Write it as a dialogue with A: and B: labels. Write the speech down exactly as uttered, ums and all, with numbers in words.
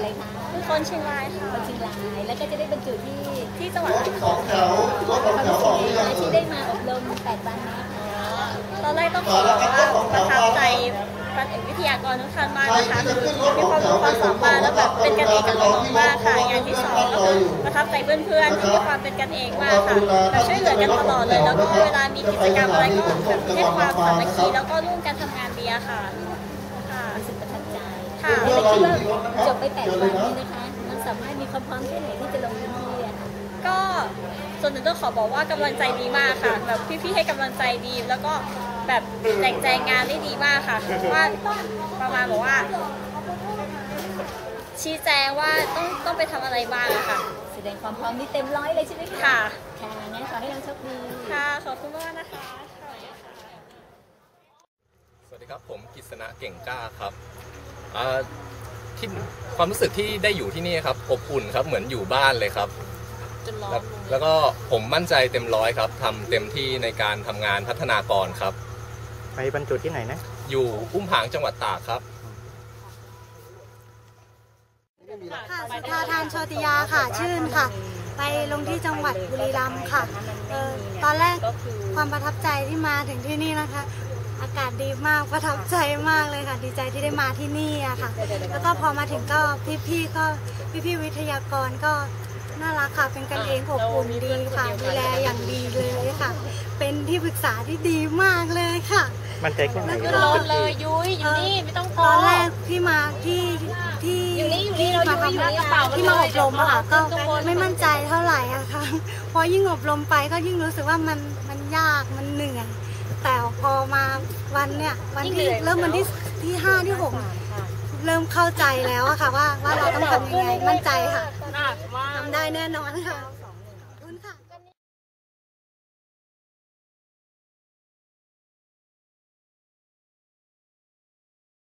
A: อะไรคะ
B: เป็นคนเชียงรายค่ะ
A: คนเชียงรายแล้วก็จะได้บรรจุที่
B: ที่จังหวัดอ่างท
C: ส
B: อ
C: องงแถวรถสองแถวออกหรือยัง
A: ที่ได้มาอบรมแปดวันนะ
B: ตอนแรกต้องขอว่าประทับใจพระเอกวิทยากรทุกท่านมากนะคะมีความรู้ความสามารถแล้วแบบเป็นกันเองกับน้องๆมากค่ะอย่างที่สองก็คือประทับใจเพื่อนๆที่มีความเป็นกันเองมากค่ะแบบช่วยเหลือกันตลอดเลยแล้วก็เวลามีกิจกรรมอะไรก็แบบให้ความสามัคคีแล้วก็ร่วมกันทำงานดีค่ะค่ะ
A: รู้สึกประทับใจ
B: ค่ะ
A: แล้วคิดว่าจบไปแปดวันนี้นะคะมันสามารถมีความพร้อมแค่ไหนที่จะลงพื้นที่อะค่ะ
B: ก็ส่วนหนึ่งต้องขอบอกว่ากำลังใจดีมากค่ะแบบพี่ๆให้กำลังใจดีแล้วก็แบบแจกแจงงานได้ดีมากค่ะว่าประมาณบอกว่าชี้แจงว่าต้องต้องไปทำอะไรบ้างค่ะ
A: แสดงความพร้อมนี่เต็มร้อยเลยใช่ไหมคะ
B: ค่ะ
A: ค่ะงั้นขอให้เราโชคดี
B: ค่ะขอบคุณมากนะคะ
D: สวัสดีครับผมกฤษณะเก่งกล้าครับที่ความรู้สึกที่ได้อยู่ที่นี่ครับอบอุ่นครับเหมือนอยู่บ้านเลยครับแล้วแล้วก็ผมมั่นใจเต็มร้อยครับทำเต็มที่ในการทำงานพัฒนากรครับ
E: ไปบรรจุที่ไหนนะ
D: อยู่อุ้มผางจังหวัดตากครับ
F: ค่ะสุธาทานโชติยาค่ะชื่นค่ะไปลงที่จังหวัดบุรีรัมย์ค่ะเออตอนแรกความประทับใจที่มาถึงที่นี่นะคะอากาศดีมากประทับใจมากเลยค่ะดีใจที่ได้มาที่นี่อะค่ะแล้วก็พอมาถึงก็พี่ๆก็พี่ๆวิทยากรก็น่ารักค่ะเป็นกันเองอบอุ่นดีค่ะดูแลอย่างดีเลยค่ะเป็นที่ปรึกษาที่ดีมากเลยค่ะ
E: มันใจแค่ไหน
B: รอเลยยุ้ยอยู่นี่ไม่ต้องพอ
F: ตอนแรกที่มาที่ที่ที่มาทำที่มาอบรมอะค่ะก็ไม่มั่นใจเท่าไหร่อะค่ะพอยิ่งอบรมไปก็ยิ่งรู้สึกว่ามันมันยากมันเหนื่อยแต่พอมาวันเนี้ยวันที่เริ่มวันที่ที่ห้าที่หกเริ่มเข้าใจแล้วอะค่ะว่าว่าเราต้องทำยังไงมั่นใจค่ะทำได้แน่นอนค่ะ